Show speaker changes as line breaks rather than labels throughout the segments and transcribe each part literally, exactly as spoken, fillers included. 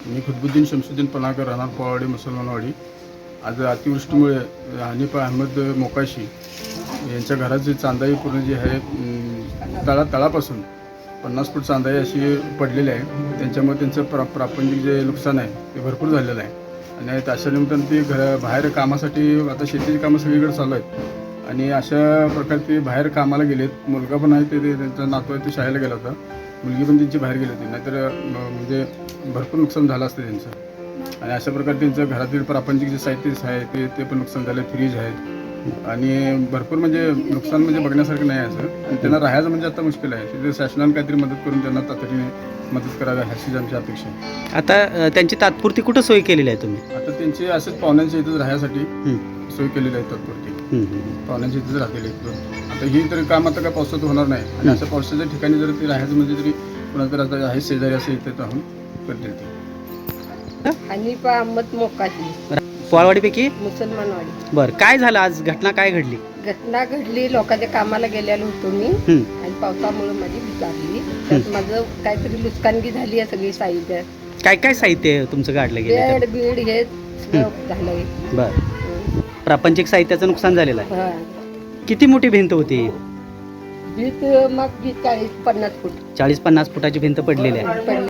मी खुद्बुद्दीन शमसुद्दीन पनाकर, राहणार पोळावाडी, मुसलमानवाडी. आज अतिवृष्टीमुळे हनीफ अहमद मोकाशी यांच्या घराची चांदाई पूर्ण जी आहे तळा तळापासून पन्नास फूट चांदाई अशी पडलेली आहे. त्यांच्यामुळे त्यांचं प्रा प्रापंचिक जे नुकसान आहे ते भरपूर झालेलं आहे. आणि अशा निमित्तानं ते घर बाहेर कामासाठी, आता शेतीची कामं सगळीकडे चालू आहेत आणि अशा प्रकारे ते बाहेर कामाला गेलेत. मुलगा पण आहे, ते त्यांचा नातू आहे, ते शाळेला गेला होता. मुलगी पण त्यांची बाहेर गेली होती, नाहीतर म्हणजे भरपूर नुकसान झालं असतं त्यांचं. आणि अशा प्रकारे त्यांचं घरातील प्रापंचिक जे साहित्य आहे ते ते पण नुकसान झालं. फ्रीज आहे आणि भरपूर म्हणजे नुकसान म्हणजे बघण्यासारखं नाही असं. आणि त्यांना राहायचं म्हणजे आता मुश्किल आहे. तिथे शासनाने काहीतरी मदत करून त्यांना तातडीने मदत करावी अशीच आमची अपेक्षा आहे.
आता त्यांची तात्पुरती कुठं सोय केलेली आहे तुम्ही?
आता त्यांची असंच पाहुण्यांच्या इथंच राहण्यासाठी सोय केलेली आहे तात्पुरती. पाहुण्यांच्या इथंच राहतील इथं. आता ही तरी काम आता काय पावसात होणार नाही आणि अशा पावसाच्या ठिकाणी जर ते राहायचं म्हणजे तरी कुणाला तर आता आहे शेजारी असं इथं राहून करतील ते.
हनीफ अहमद मोकाशी,
पोळावाडीपैकी
मुसलमानवाडी.
बरं, काय झालं आज? घटना काय घडली?
घटना घडली, लोकांच्या कामाला गेलेलो होतो मी आणि पावसामुळे माझी भिजारली. त्यात माझं काहीतरी नुकसानगी झाली आहे. सगळी साहित्य,
काय काय साहित्य तुमचं काढलं गेलं?
बेड बीड हे सगळं झालंय.
बरं, प्रापंचिक साहित्याचं नुकसान झालेलं आहे.
हा,
किती मोठी भिंत होती?
भीत मग भीत चाळीस पन्नास फूट
चाळीस पन्नास फुटाची भिंत पडलेली आहे.
पडली.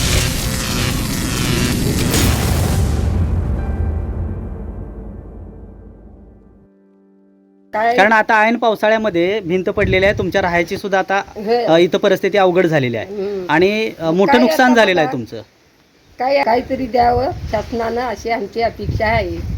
काय
कारण आता ऐन पावसाळ्यामध्ये भिंत पडलेली आहे. तुमच्या राहायची सुद्धा आता
हे-
अ, इथं परिस्थिती अवघड झालेली आहे
हम्म.
आणि अ, मोठं
काय
नुकसान
आता
झालेलं आहे
बघा,
तुमचं.
काय काहीतरी द्यावं शासनानं अशी आमची अपेक्षा आहे.